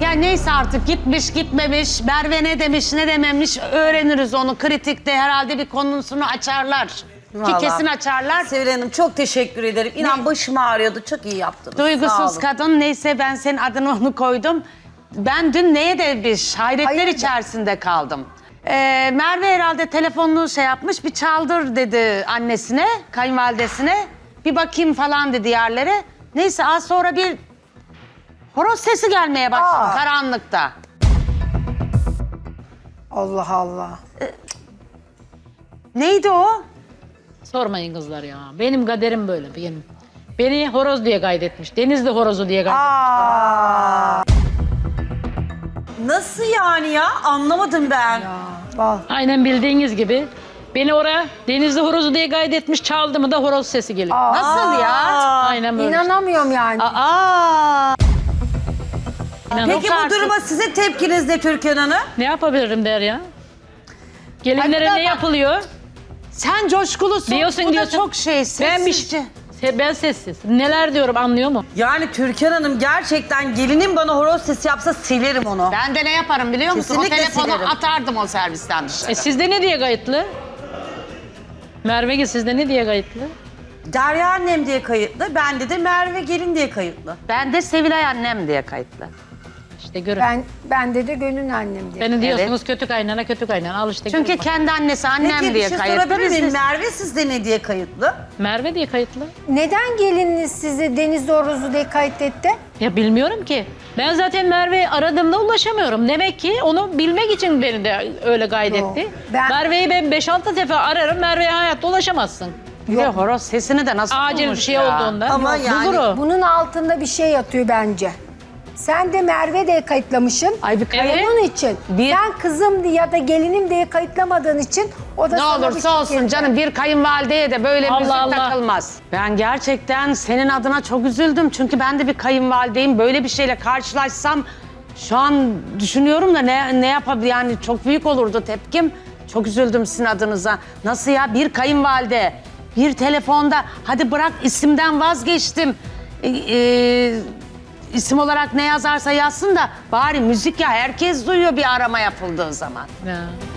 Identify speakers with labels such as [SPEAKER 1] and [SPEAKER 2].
[SPEAKER 1] Ya neyse artık gitmiş gitmemiş, Merve ne demiş ne dememiş öğreniriz onu. Kritikte herhalde bir konusunu açarlar.
[SPEAKER 2] Vallahi.
[SPEAKER 1] Ki kesin açarlar.
[SPEAKER 2] Sevilay Hanım çok teşekkür ederim. İnan başım ağrıyordu. Çok iyi yaptınız. Sağ
[SPEAKER 1] Duygusuz
[SPEAKER 2] olun.
[SPEAKER 1] kadın neyse ben senin adını onu koydum. Ben dün neye de bir hayretler içerisinde kaldım. Merve herhalde telefonunu şey yapmış bir çaldır dedi annesine, kayınvalidesine. Bir bakayım falan dedi yerlere. Neyse az sonra bir horoz sesi gelmeye başladı karanlıkta.
[SPEAKER 3] Allah Allah.
[SPEAKER 1] Neydi o?
[SPEAKER 4] Sormayın kızlar ya. Benim kaderim böyle benim. Beni horoz diye kaydetmiş. Denizli horozu diye kaydetmiş.
[SPEAKER 2] Nasıl yani ya? Anlamadım ben.
[SPEAKER 3] Bal.
[SPEAKER 4] Aynen bildiğiniz gibi. Beni oraya denizli horozu diye kaydetmiş. Çaldı mı da horoz sesi geliyor.
[SPEAKER 1] Nasıl ya?
[SPEAKER 4] Aynen böyle.
[SPEAKER 3] İnanamıyorum yani.
[SPEAKER 1] Aa!
[SPEAKER 4] İnanın.
[SPEAKER 2] Peki bu duruma sizin tepkiniz ne Türkan Hanım?
[SPEAKER 4] Ne yapabilirim der ya? Gelinlere
[SPEAKER 1] Ay,
[SPEAKER 4] ne
[SPEAKER 1] bak.
[SPEAKER 4] yapılıyor?
[SPEAKER 1] Sen coşkulusun.
[SPEAKER 4] Diyorsun
[SPEAKER 1] Bu da
[SPEAKER 4] diyorsun.
[SPEAKER 1] çok şey
[SPEAKER 4] Ben bir
[SPEAKER 1] sessizce.
[SPEAKER 4] Ben sessiz. Neler diyorum anlıyor mu?
[SPEAKER 2] Yani Türkan Hanım gerçekten gelinim bana horoz sesi yapsa silerim onu.
[SPEAKER 1] Ben de ne yaparım biliyor musun?
[SPEAKER 2] Kesinlikle
[SPEAKER 1] O telefonu
[SPEAKER 2] silerim.
[SPEAKER 1] atardım o servisten dışarı.
[SPEAKER 4] Sizde ne diye kayıtlı? Merve sizde ne diye kayıtlı?
[SPEAKER 2] Derya annem diye kayıtlı, bende de Merve gelin diye kayıtlı.
[SPEAKER 1] Ben de Sevilay annem diye kayıtlı.
[SPEAKER 4] İşte görün.
[SPEAKER 3] Bende de gönül annem diye.
[SPEAKER 4] Beni diyorsunuz kötü kaynana kötü kaynana. Al işte
[SPEAKER 1] Çünkü
[SPEAKER 4] görün bak.
[SPEAKER 1] kendi annesi annem
[SPEAKER 2] Peki bir
[SPEAKER 1] diye
[SPEAKER 2] şey
[SPEAKER 1] kayıtlı.
[SPEAKER 2] sorabilir
[SPEAKER 1] Biz de-
[SPEAKER 2] miyim? Merve sizde ne diye kayıtlı?
[SPEAKER 4] Merve diye kayıtlı.
[SPEAKER 3] Neden gelininiz sizi Deniz Horozu diye kaydetti?
[SPEAKER 4] Ya bilmiyorum ki. Ben zaten Merve'yi aradığımda ulaşamıyorum. Demek ki onu bilmek için beni de öyle kaydetti.
[SPEAKER 3] Yok, ben-
[SPEAKER 4] Merve'yi ben 5-6 defa ararım. Merve'ye hayatta ulaşamazsın.
[SPEAKER 1] Bir de horoz sesini de nasıl
[SPEAKER 4] Acil bir
[SPEAKER 1] bulmuş
[SPEAKER 4] şey
[SPEAKER 1] ya?
[SPEAKER 4] olduğunda.
[SPEAKER 2] Ama yani-
[SPEAKER 4] Bulur o.
[SPEAKER 3] Bunun altında bir şey yatıyor bence. Sen de Merve diye kayıtlamışsın.
[SPEAKER 1] Ay bir
[SPEAKER 4] Evet.
[SPEAKER 3] Onun için.
[SPEAKER 1] Bir-
[SPEAKER 3] Sen kızım ya da gelinim diye kayıtlamadığın için o da
[SPEAKER 1] Ne
[SPEAKER 3] sana bir
[SPEAKER 1] olursa
[SPEAKER 3] şey
[SPEAKER 1] olsun
[SPEAKER 3] getirdi.
[SPEAKER 1] canım bir kayınvalideye de böyle
[SPEAKER 4] Allah
[SPEAKER 1] müzik
[SPEAKER 4] Allah.
[SPEAKER 1] takılmaz. Ben gerçekten senin adına çok üzüldüm. Çünkü ben de bir kayınvalideyim. Böyle bir şeyle karşılaşsam şu an düşünüyorum da ne yapabilir yani çok büyük olurdu tepkim. Çok üzüldüm sizin adınıza. Nasıl ya bir kayınvalide bir telefonda hadi bırak isimden vazgeçtim. İsim olarak ne yazarsa yazsın da bari müzik ya herkes duyuyor bir arama yapıldığı zaman.
[SPEAKER 4] Ya.